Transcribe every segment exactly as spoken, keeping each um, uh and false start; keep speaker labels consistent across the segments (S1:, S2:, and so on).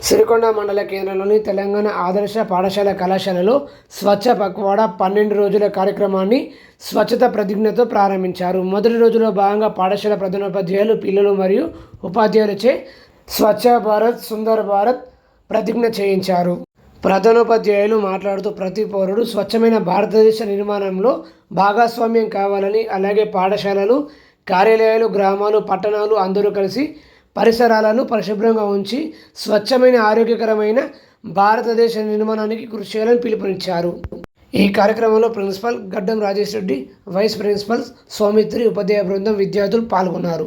S1: సిరికొండ మండల కేంద్రంలోని తెలంగాణ ఆదర్శ పాఠశాల కళాశాలలో స్వచ్ఛ పక్వాడా పన్నెండు రోజుల కార్యక్రమాన్ని స్వచ్ఛత ప్రతిజ్ఞతో ప్రారంభించారు. మొదటి రోజులో భాగంగా పాఠశాల ప్రధానోపాధ్యాయులు, పిల్లలు మరియు ఉపాధ్యాయులచే స్వచ్ఛ భారత్ సుందర్ భారత్ ప్రతిజ్ఞ చేయించారు. ప్రధానోపాధ్యాయులు మాట్లాడుతూ ప్రతి పౌరుడు స్వచ్ఛమైన భారతదేశ నిర్మాణంలో భాగస్వామ్యం కావాలని, అలాగే పాఠశాలలు, కార్యాలయాలు, గ్రామాలు, పట్టణాలు అందరూ కలిసి పరిసరాలను పరిశుభ్రంగా ఉంచి స్వచ్ఛమైన ఆరోగ్యకరమైన భారతదేశ నిర్మాణానికి కృషి చేయాలని పిలుపునిచ్చారు. ఈ కార్యక్రమంలో principal Gaddam Rajesh Reddy, vice principal Soumitri, ఉపాధ్యాయ బృందం, విద్యార్థులు పాల్గొన్నారు.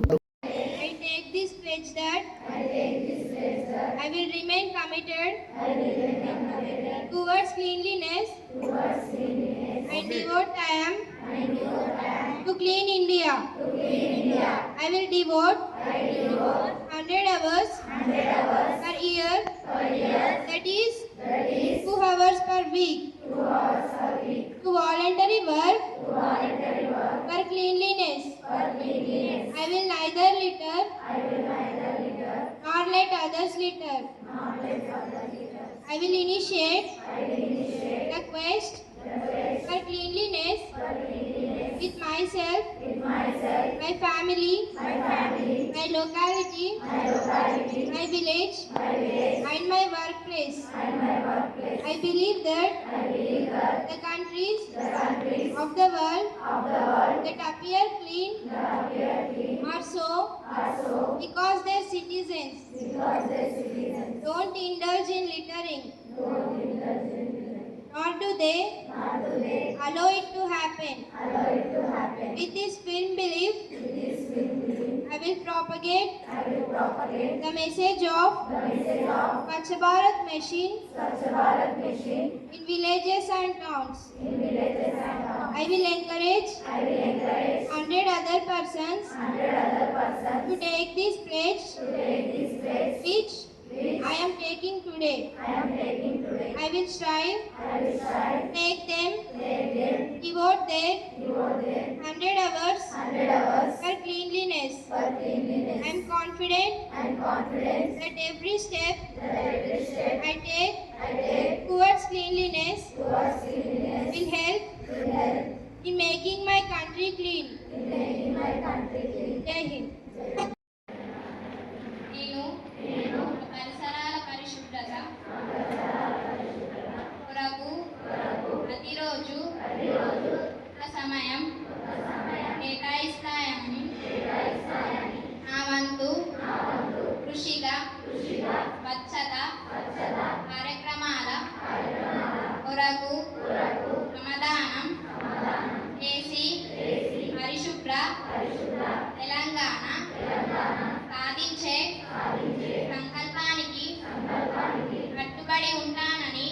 S2: I will remain committed, I will remain committed towards cleanliness, towards cleanliness and devote time, and devote time to clean India. To clean India. I will devote, I will devote one hundred hours, one hundred hours per year, per year. That is, that is two hours per week, two hours per week to voluntary work, to voluntary work for cleanliness, for cleanliness. I will neither litter, I will neither litter nor let others litter. Nor let others litter. I will initiate, I will initiate the quest, the quest for cleanliness, for cleanliness with myself, with myself, my family, my family, my locality, my locality, my village, my village, and my workplace. And my workplace. I believe that, I believe that the countries, the countries of the world, of the world that appear clean, that appear clean are so, are so because their citizens, because their citizens don't indulge in littering, don't indulge in littering, nor do they, nor do they allow it to happen, allow it to happen. With this firm belief, with this firm belief, I will propagate, I will propagate the message of, the message of Swachh Bharat Mission, Swachh Bharat Mission in villages and towns, in villages and towns. I will encourage, I will encourage hundred other persons, hundred other persons to take this pledge, to take this pledge, which Which I am taking today. I am taking today. I will strive. I will strive. Take them. Take them. Devote their. Devote their. Hundred hours. Hundred hours. For cleanliness. For cleanliness. I am confident. I am confident that every step. That every step I take. I take towards cleanliness. Towards cleanliness will help. Will help in making my country clean. In making my country clean. Jai Hind.
S3: పరిసరాల పరిశుభ్రత కొరకు ప్రతిరోజు ఒక సమయం కేటాయిస్తాయని నా వంతు కృషిగా స్వచ్ఛత కార్యక్రమాల కొరకు శ్రమదానం చేసి పరిశుభ్ర తెలంగాణ సాధించే సంకల్పానికి కట్టుబడి ఉంటానని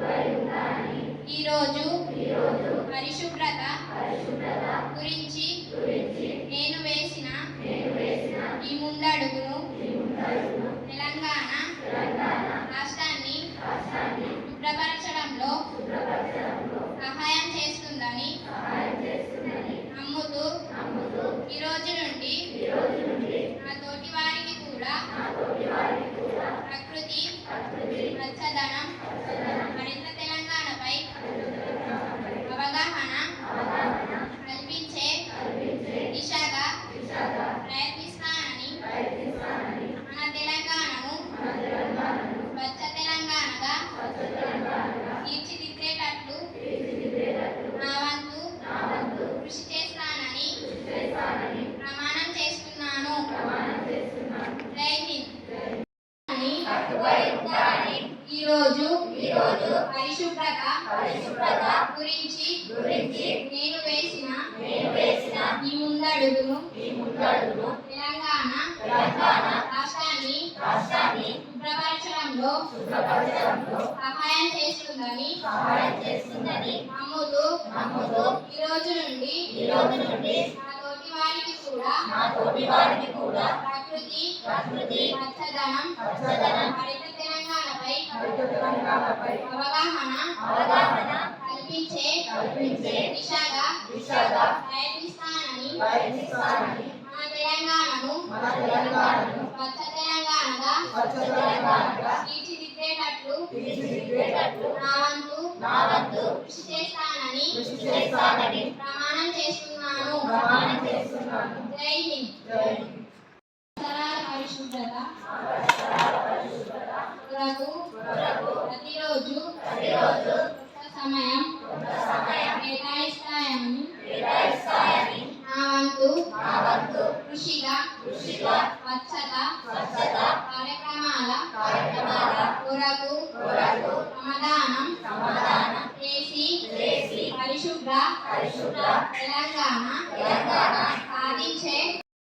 S3: ఈరోజు పరిశుభ్రత గురించి నేను వేసిన ఈ ముందడుగును తెలంగాణ రాష్ట్రాన్ని శుభ్రపరచడంలో సహాయం చేస్తుందని నమ్ముతూ ఈ రోజు నుండి నా తోటి వారికి కూడా ప్రకృతి పచ్చదనం మరింత తెలంగాణపై అవగాహన కల్పించే దిశగా ప్రయత్నిస్తానని మన తెలంగాణను స్వచ్ఛ తెలంగాణగా తీర్చిదిద్దేటట్లు నా వంతు కృషి చేస్తానని ప్రమాణం చేస్తున్నాను. జై హింద్. ఈరోజు పరిశుభ్రత గురించి నేను వేసిన ఈ ముందడుగును తెలంగాణ రాష్ట్రాన్ని శుభ్రపరచడంలో సహాయం చేస్తుందని నమ్ముతూ ఈ రోజు నుండి నా తోటి వారికి కూడా ప్రకృతి పచ్చదనం హరిత తెలంగాణపై అవగాహన కల్పించే దిశగా ప్రయత్నిస్తానని మన తెలంగాణ తెలంగాణను స్వచ్ఛ తెలంగాణగా తీర్చిదిద్దేటట్లు నా వంతు కృషి చేస్తానని ప్రమాణం చేస్తున్నాను. జై హింద్. పరిసరాల పరిశుభ్రత కొరకు ప్రతిరోజు కొంత సమయం కేటాయిస్తాయని నా వంతు కృషిగా స్వచ్ఛత కార్యక్రమాల కొరకు సమాధానం చేసి పరిశుభ్ర తెలంగాణ సాధించే